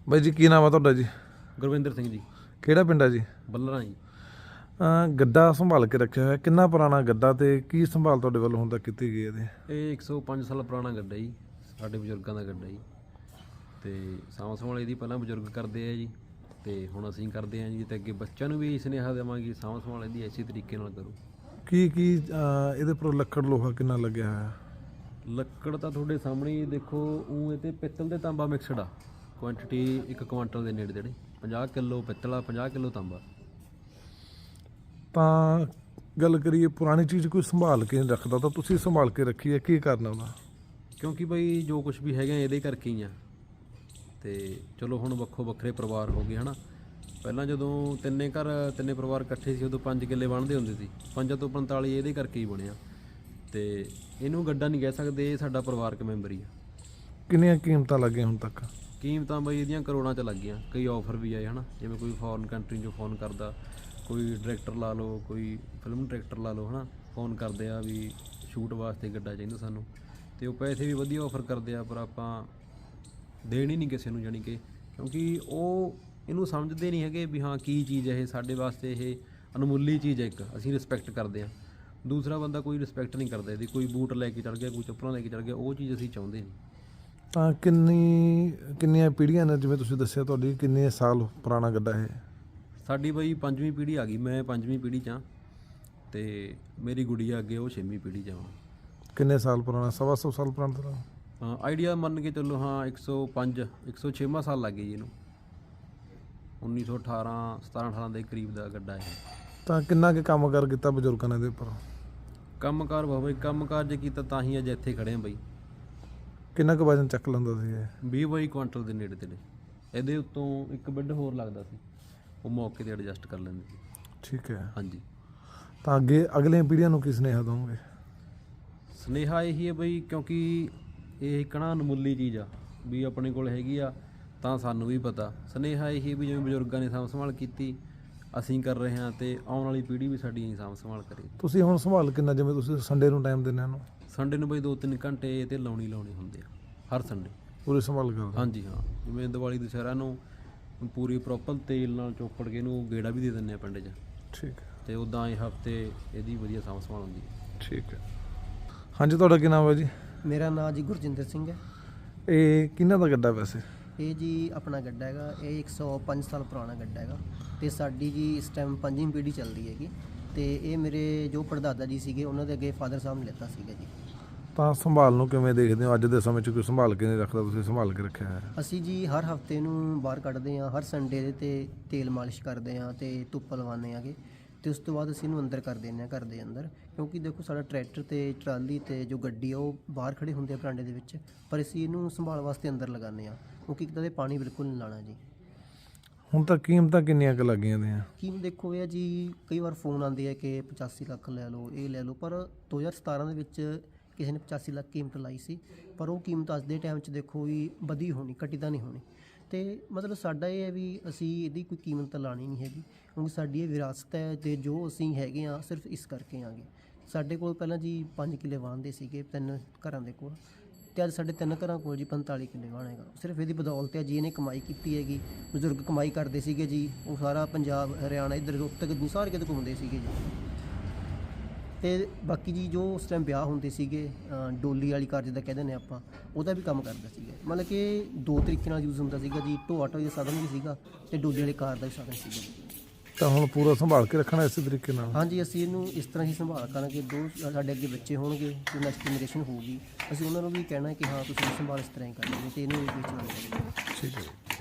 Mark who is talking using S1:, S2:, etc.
S1: ਬਾਈ ਜੀ ਕੀ ਨਾਮ ਆ ਤੁਹਾਡਾ ਜੀ?
S2: ਗੁਰਵਿੰਦਰ ਸਿੰਘ ਜੀ।
S1: ਕਿਹੜਾ ਪਿੰਡ ਆ ਜੀ?
S2: ਬੱਲਰਾਂ ਜੀ।
S1: ਗੱਡਾ ਸੰਭਾਲ ਕੇ ਰੱਖਿਆ ਹੋਇਆ, ਕਿੰਨਾ ਪੁਰਾਣਾ ਗੱਡਾ ਤੇ ਕੀ ਸੰਭਾਲ ਤੁਹਾਡੇ ਵੱਲੋਂ ਹੁਣ ਤੱਕ ਕੀਤੀ ਗਈ ਇਹਦੀ?
S2: ਇਹ 105 ਸਾਲ ਪੁਰਾਣਾ ਗੱਡਾ ਜੀ, ਸਾਡੇ ਬਜ਼ੁਰਗਾਂ ਦਾ ਗੱਡਾ ਜੀ। ਤੇ ਸਾਂਭ ਸੰਭਾਲ ਇਹਦੀ ਪਹਿਲਾਂ ਬਜ਼ੁਰਗ ਕਰਦੇ ਆ ਜੀ, ਤੇ ਹੁਣ ਅਸੀਂ ਕਰਦੇ ਹਾਂ ਜੀ। ਤੇ ਅੱਗੇ ਬੱਚਿਆਂ ਨੂੰ ਵੀ ਸੁਨੇਹਾ ਦੇਵਾਂਗੇ, ਸਾਂਭ ਸੰਭਾਲ ਇਹਦੀ ਇਸੇ ਤਰੀਕੇ ਨਾਲ ਕਰੋ।
S1: ਕੀ ਇਹਦੇ ਪਰ ਲੱਕੜ ਲੋਹਾ ਕਿੰਨਾ ਲੱਗਿਆ ਹੋਇਆ?
S2: ਲੱਕੜ ਤਾਂ ਤੁਹਾਡੇ ਸਾਹਮਣੇ ਹੀ ਦੇਖੋ। ਉਹ ਇਹ 'ਤੇ ਪਿੱਤਲ ਤੇ ਤਾਂਬਾ ਮਿਕਸਡ ਆ। ਕੁਆਂਟੀਟੀ 1 ਕੁਆਂਟਲ ਦੇ ਨੇੜੇ ਤੇੜੇ। 50 ਕਿਲੋ ਪਿੱਤਲ ਆ, 50 ਕਿਲੋ ਤਾਂਬਾ।
S1: ਤਾਂ ਗੱਲ ਕਰੀਏ ਪੁਰਾਣੀ ਚੀਜ਼ ਕੋਈ ਸੰਭਾਲ ਕੇ ਨਹੀਂ ਰੱਖਦਾ, ਤਾਂ ਤੁਸੀਂ ਸੰਭਾਲ ਕੇ ਰੱਖੀ ਹੈ, ਕੀ ਕਰਨਾ ਉਹਦਾ?
S2: ਕਿਉਂਕਿ ਬਈ ਜੋ ਕੁਝ ਵੀ ਹੈਗਾ ਇਹਦੇ ਕਰਕੇ ਹੀ ਆ। ਤੇ ਚਲੋ ਹੁਣ ਵੱਖੋ ਵੱਖਰੇ ਪਰਿਵਾਰ ਹੋ ਗਏ ਹੈ ਨਾ। ਪਹਿਲਾਂ ਜਦੋਂ ਤਿੰਨੇ ਪਰਿਵਾਰ ਇਕੱਠੇ ਸੀ ਉਦੋਂ 5 ਕਿੱਲੇ ਬਣਦੇ ਹੁੰਦੇ ਸੀ। 5 ਤੋਂ 45 ਇਹਦੇ ਕਰਕੇ ਹੀ ਬਣਿਆ। ਤੇ ਇਹਨੂੰ ਗੱਡਾ ਨਹੀਂ ਕਹਿ ਸਕਦੇ, ਇਹ ਸਾਡਾ ਪਰਿਵਾਰਕ ਮੈਂਬਰ ਹੀ ਆ।
S1: ਕਿੰਨੀਆਂ ਕੀਮਤਾਂ ਲੱਗੀਆਂ ਹੁਣ ਤੱਕ?
S2: ਕੀਮਤਾਂ ਬਈ ਇਹਦੀਆਂ ਕਰੋੜਾਂ 'ਚ ਲੱਗ ਗਈਆਂ। ਕਈ ਆਫਰ ਵੀ ਆਏ ਹੈ ਨਾ, ਜਿਵੇਂ ਕੋਈ ਫੋਰਨ ਕੰਟਰੀ 'ਚੋਂ ਫੋਨ ਕਰਦਾ, ਕੋਈ ਡਾਇਰੈਕਟਰ ਲਾ ਲਓ, ਕੋਈ ਫਿਲਮ ਡਾਇਰੈਕਟਰ ਲਾ ਲਓ ਹੈ ਨਾ, ਫੋਨ ਕਰਦੇ ਆ ਵੀ ਸ਼ੂਟ ਵਾਸਤੇ ਗੱਡਾ ਚਾਹੀਦਾ ਸਾਨੂੰ। ਤੇ ਉਹ ਪੈਸੇ ਵੀ ਵਧੀਆ ਆਫਰ ਕਰਦੇ ਆ, ਪਰ ਆਪਾਂ ਦੇਣ ਹੀ ਨਹੀਂ ਕਿਸੇ ਨੂੰ, ਜਾਣੀ ਕਿ ਕਿਉਂਕਿ ਉਹ ਇਹਨੂੰ ਸਮਝਦੇ ਨਹੀਂ ਹੈਗੇ ਵੀ ਹਾਂ ਕੀ ਚੀਜ਼ ਹੈ ਇਹ ਸਾਡੇ ਵਾਸਤੇ। ਇਹ ਅਨਮੁੱਲੀ ਚੀਜ਼ ਹੈ ਇੱਕ, ਅਸੀਂ ਰਿਸਪੈਕਟ ਕਰਦੇ ਹਾਂ। ਦੂਸਰਾ ਬੰਦਾ ਕੋਈ ਰਿਸਪੈਕਟ ਨਹੀਂ ਕਰਦਾ ਇਹਦੀ। ਕੋਈ ਬੂਟ ਲੈ ਕੇ ਚੜ੍ਹ ਗਿਆ, ਕੋਈ ਚੱਪਲਾਂ ਲੈ ਕੇ ਚੜ੍ਹ ਗਿਆ, ਉਹ ਚੀਜ਼ ਅਸੀਂ ਚਾਹੁੰਦੇ ਨਹੀਂ।
S1: ਤਾਂ ਕਿੰਨੀਆਂ ਪੀੜ੍ਹੀਆਂ ਨੇ, ਜਿਵੇਂ ਤੁਸੀਂ ਦੱਸਿਆ ਤੁਹਾਡੀ ਕਿੰਨੇ ਸਾਲ ਪੁਰਾਣਾ ਗੱਡਾ ਇਹ?
S2: ਸਾਡੀ ਬਈ 5ਵੀਂ ਪੀੜ੍ਹੀ ਆ ਗਈ। ਮੈਂ 5ਵੀਂ ਪੀੜ੍ਹੀ 'ਚ ਹਾਂ ਤੇ ਮੇਰੀ ਗੁੜੀਆ ਅੱਗੇ ਉਹ 6ਵੀਂ ਪੀੜ੍ਹੀ 'ਚ ਆ।
S1: ਕਿੰਨੇ ਸਾਲ ਪੁਰਾਣਾ? 125 ਸਾਲ ਪੁਰਾਣਾ?
S2: ਹਾਂ ਆਈਡੀਆ ਮੰਨ ਕੇ ਚੱਲੋ। ਹਾਂ 105 106ਵਾਂ ਸਾਲ ਲੱਗ ਗਿਆ ਜੀ ਇਹਨੂੰ। 1918 17-18 ਦੇ ਕਰੀਬ ਦਾ ਗੱਡਾ ਇਹ।
S1: ਤਾਂ ਕਿੰਨਾ ਕੁ ਕੰਮ ਕਰ ਕੀਤਾ ਬਜ਼ੁਰਗਾਂ ਨੇ ਇਹਦੇ ਉੱਪਰ?
S2: ਕੰਮਕਾਰ ਬਾਬਾ ਜੀ, ਕੰਮਕਾਰ ਜੇ ਕੀਤਾ ਤਾਂ ਹੀ ਅੱਜ ਇੱਥੇ ਖੜ੍ਹੇ ਹਾਂ ਬਈ।
S1: ਕਿੰਨਾ ਕੁ ਵਜਨ ਚੱਕ ਲੈਂਦਾ ਸੀ ਇਹ?
S2: 20-22 ਕੁਆਂਟਲ ਦੇ ਨੇੜੇ ਤੇੜੇ। ਇਹਦੇ ਉੱਤੋਂ ਇੱਕ ਬੈੱਡ ਹੋਰ ਲੱਗਦਾ ਸੀ, ਉਹ ਮੌਕੇ 'ਤੇ ਐਡਜਸਟ ਕਰ ਲੈਂਦੇ ਸੀ।
S1: ਠੀਕ ਹੈ।
S2: ਹਾਂਜੀ।
S1: ਤਾਂ ਅਗਲੀਆਂ ਪੀੜ੍ਹੀਆਂ ਨੂੰ ਕੀ ਸੁਨੇਹਾ ਦਓਗੇ?
S2: ਸੁਨੇਹਾ ਇਹੀ ਹੈ ਬਈ, ਕਿਉਂਕਿ ਇਹ ਇੱਕ ਨਾ ਅਨਮੁੱਲੀ ਚੀਜ਼ ਆ ਵੀ ਆਪਣੇ ਕੋਲ ਹੈਗੀ ਆ ਤਾਂ ਸਾਨੂੰ ਵੀ ਪਤਾ। ਸੁਨੇਹਾ ਇਹੀ ਵੀ ਜਿਵੇਂ ਬਜ਼ੁਰਗਾਂ ਨੇ ਸਾਂਭ ਸੰਭਾਲ ਕੀਤੀ, ਅਸੀਂ ਕਰ ਰਹੇ ਹਾਂ, ਤੇ ਆਉਣ ਵਾਲੀ ਪੀੜ੍ਹੀ ਵੀ ਸਾਡੀ ਸਾਂਭ ਸੰਭਾਲ ਕਰੇ।
S1: ਤੁਸੀਂ ਹੁਣ ਸੰਭਾਲ ਕਿੰਨਾ, ਜਿਵੇਂ ਤੁਸੀਂ ਸੰਡੇ ਨੂੰ ਟਾਈਮ ਦਿੰਦੇ ਇਹਨੂੰ?
S2: ਸੰਡੇ ਨੂੰ ਬਈ 2-3 ਘੰਟੇ ਤੇ ਲਾਉਣੇ ਹੁੰਦੇ ਆ ਹਰ ਸੰਡੇ।
S1: ਪੂਰੀ ਸੰਭਾਲ ਕਰਦੇ?
S2: ਹਾਂਜੀ ਹਾਂ। ਜਿਵੇਂ ਦੀਵਾਲੀ ਦੁਸਹਿਰਾ ਨੂੰ ਪੂਰੀ ਪ੍ਰੋਪਰ ਤੇਲ ਨਾਲ ਚੋਪੜ ਕੇ ਇਹਨੂੰ ਗੇੜਾ ਵੀ ਦੇ ਦਿੰਦੇ ਆ ਪਿੰਡ 'ਚ।
S1: ਠੀਕ ਹੈ।
S2: ਤੇ ਉੱਦਾਂ ਇਹ ਹਫਤੇ ਇਹਦੀ ਵਧੀਆ ਸਾਂਭ ਸੰਭਾਲ ਹੁੰਦੀ ਹੈ।
S1: ਠੀਕ ਹੈ। ਹਾਂਜੀ ਤੁਹਾਡਾ ਕੀ ਨਾਮ ਹੈ ਜੀ?
S3: ਮੇਰਾ ਨਾਮ ਜੀ ਗੁਰਜਿੰਦਰ ਸਿੰਘ ਹੈ।
S1: ਇਹ ਕਿਹਨਾਂ ਦਾ ਗੱਡਾ ਵੈਸੇ?
S3: ਇਹ ਜੀ ਆਪਣਾ ਗੱਡਾ ਹੈਗਾ। ਇਹ 105 ਸਾਲ ਪੁਰਾਣਾ ਗੱਡਾ ਹੈਗਾ। ਤੇ ਸਾਡੀ ਜੀ ਇਸ ਟਾਈਮ 5ਵੀਂ ਪੀੜ੍ਹੀ ਚੱਲਦੀ ਹੈਗੀ। ਤੇ ਇਹ ਮੇਰੇ ਜੋ ਪੜਦਾਦਾ ਜੀ ਸੀਗੇ ਉਹਨਾਂ ਦੇ ਅੱਗੇ ਫਾਦਰ ਸਾਹਿਬ ਨੇ ਲਿੱਤਾ ਸੀਗਾ ਜੀ।
S1: ਤਾਂ ਸੰਭਾਲ ਨੂੰ ਕਿਵੇਂ ਦੇਖਦੇ ਹੋ? ਅੱਜ ਦੇ ਸਮੇਂ 'ਚ ਕੋਈ ਸੰਭਾਲ ਕੇ ਨਹੀਂ ਰੱਖਦਾ, ਤੁਸੀਂ ਸੰਭਾਲ ਕੇ ਰੱਖਿਆ ਹੈ।
S3: ਅਸੀਂ ਜੀ ਹਰ ਹਫਤੇ ਨੂੰ ਬਾਹਰ ਕੱਢਦੇ ਹਾਂ, ਹਰ ਸੰਡੇ ਦੇ 'ਤੇ ਤੇਲ ਮਾਲਿਸ਼ ਕਰਦੇ ਹਾਂ ਤੇ ਧੁੱਪ ਲਵਾਉਂਦੇ ਹੈਗੇ। ਤੇ ਉਸ ਤੋਂ ਬਾਅਦ ਅਸੀਂ ਇਹਨੂੰ ਅੰਦਰ ਕਰ ਦਿੰਦੇ ਹਾਂ, ਘਰ ਦੇ ਅੰਦਰ। ਕਿਉਂਕਿ ਦੇਖੋ ਸਾਡਾ ਟਰੈਕਟਰ ਤੇ ਟਰਾਲੀ ਤੇ ਜੋ ਗੱਡੀ ਆ ਉਹ ਬਾਹਰ ਖੜੇ ਹੁੰਦੇ ਆ ਬਰਾਂਡੇ ਦੇ ਵਿੱਚ, ਪਰ ਅਸੀਂ ਇਹਨੂੰ ਸੰਭਾਲ ਵਾਸਤੇ ਅੰਦਰ ਲਗਾਉਂਦੇ ਹਾਂ, ਕਿਉਂਕਿ ਇੱਕ ਤਾਂ ਇਹ ਪਾਣੀ ਬਿਲਕੁਲ ਨਹੀਂ ਲਾਉਣਾ ਜੀ।
S1: ਹੁਣ ਤਾਂ ਕੀਮਤਾਂ ਕਿੰਨੀਆਂ ਕੁ ਲੱਗੀਆਂ ਦੀਆਂ?
S3: ਕੀਮਤ ਦੇਖੋ ਇਹ ਜੀ, ਕਈ ਵਾਰ ਫੋਨ ਆਉਂਦੇ ਆ ਕਿ 85 ਲੱਖ ਲੈ ਲਓ, ਇਹ ਲੈ ਲਓ, ਪਰ 2017 ਦੇ ਵਿੱਚ ਕਿਸੇ ਨੇ 85 ਲੱਖ ਕੀਮਤ ਲਾਈ ਸੀ, ਪਰ ਉਹ ਕੀਮਤ ਅੱਜ ਦੇ ਟਾਈਮ 'ਚ ਦੇਖੋ ਵੀ ਵਧੀ ਹੋਣੀ, ਘਟੀ ਤਾਂ ਨਹੀਂ ਹੋਣੀ। ਤੇ ਮਤਲਬ ਸਾਡਾ ਇਹ ਹੈ ਵੀ ਅਸੀਂ ਇਹਦੀ ਕੋਈ ਕੀਮਤ ਤਾਂ ਲਾਣੀ ਨਹੀਂ ਹੈਗੀ, ਕਿਉਂਕਿ ਸਾਡੀ ਇਹ ਵਿਰਾਸਤ ਹੈ। ਤੇ ਜੋ ਅਸੀਂ ਹੈਗੇ ਹਾਂ ਸਿਰਫ ਇਸ ਕਰਕੇ ਆਂਗੇ। ਸਾਡੇ ਕੋਲ ਪਹਿਲਾਂ ਜੀ 5 ਕਿੱਲੇ ਵਾਹੁੰਦੇ ਸੀਗੇ 3 ਘਰਾਂ ਦੇ ਕੋਲ, ਤੇ ਅੱਜ ਸਾਡੇ 3 ਘਰਾਂ ਕੋਲ ਜੀ 45 ਕਿੱਲੇ ਵਾਹੁਣ ਹੈਗਾ। ਸਿਰਫ ਇਹਦੀ ਬਦੌਲਤ ਹੈ ਜੀ, ਇਹਨੇ ਕਮਾਈ ਕੀਤੀ ਹੈਗੀ। ਬਜ਼ੁਰਗ ਕਮਾਈ ਕਰਦੇ ਸੀਗੇ ਜੀ, ਉਹ ਸਾਰਾ ਪੰਜਾਬ ਹਰਿਆਣਾ ਇੱਧਰ ਉੱਤਰ ਨਹੀਂ ਸਾਰੇ ਕਿਤੇ ਘੁੰਮਦੇ ਸੀਗੇ ਜੀ। ਤੇ ਬਾਕੀ ਜੀ ਜੋ ਉਸ ਟਾਈਮ ਵਿਆਹ ਹੁੰਦੇ ਸੀਗੇ, ਡੋਲੀ ਵਾਲੀ ਕਾਰ ਜਿੱਦਾਂ ਕਹਿੰਦੇ ਨੇ ਆਪਾਂ, ਉਹਦਾ ਵੀ ਕੰਮ ਕਰਦਾ ਸੀਗਾ। ਮਤਲਬ ਕਿ 2 ਤਰੀਕੇ ਨਾਲ ਯੂਜ਼ ਹੁੰਦਾ ਸੀਗਾ ਜੀ। ਢੋਆ ਢੋਈ ਦਾ ਸਾਧਨ ਵੀ ਸੀਗਾ ਤੇ ਡੋਲੀ ਵਾਲੀ ਕਾਰ ਦਾ ਵੀ ਸਾਧਨ ਸੀਗਾ।
S1: ਤਾਂ ਹੁਣ ਪੂਰਾ ਸੰਭਾਲ ਕੇ ਰੱਖਣਾ ਇਸੇ ਤਰੀਕੇ ਨਾਲ? ਹਾਂਜੀ,
S3: ਅਸੀਂ ਇਹਨੂੰ ਇਸ ਤਰ੍ਹਾਂ ਹੀ ਸੰਭਾਲ ਕਰਾਂਗੇ। ਸਾਡੇ ਅੱਗੇ ਬੱਚੇ ਹੋਣਗੇ, ਜੋ ਨੈਕਸਟ ਜਨਰੇਸ਼ਨ ਹੋਊਗੀ, ਅਸੀਂ ਉਹਨਾਂ ਨੂੰ ਵੀ ਕਹਿਣਾ ਕਿ ਹਾਂ ਤੁਸੀਂ ਸੰਭਾਲ ਇਸ ਤਰ੍ਹਾਂ ਹੀ ਕਰਨੀ ਤੇ ਇਹਨੂੰ ਵੀ ਵੇਚਣਾ।
S1: ਠੀਕ ਹੈ।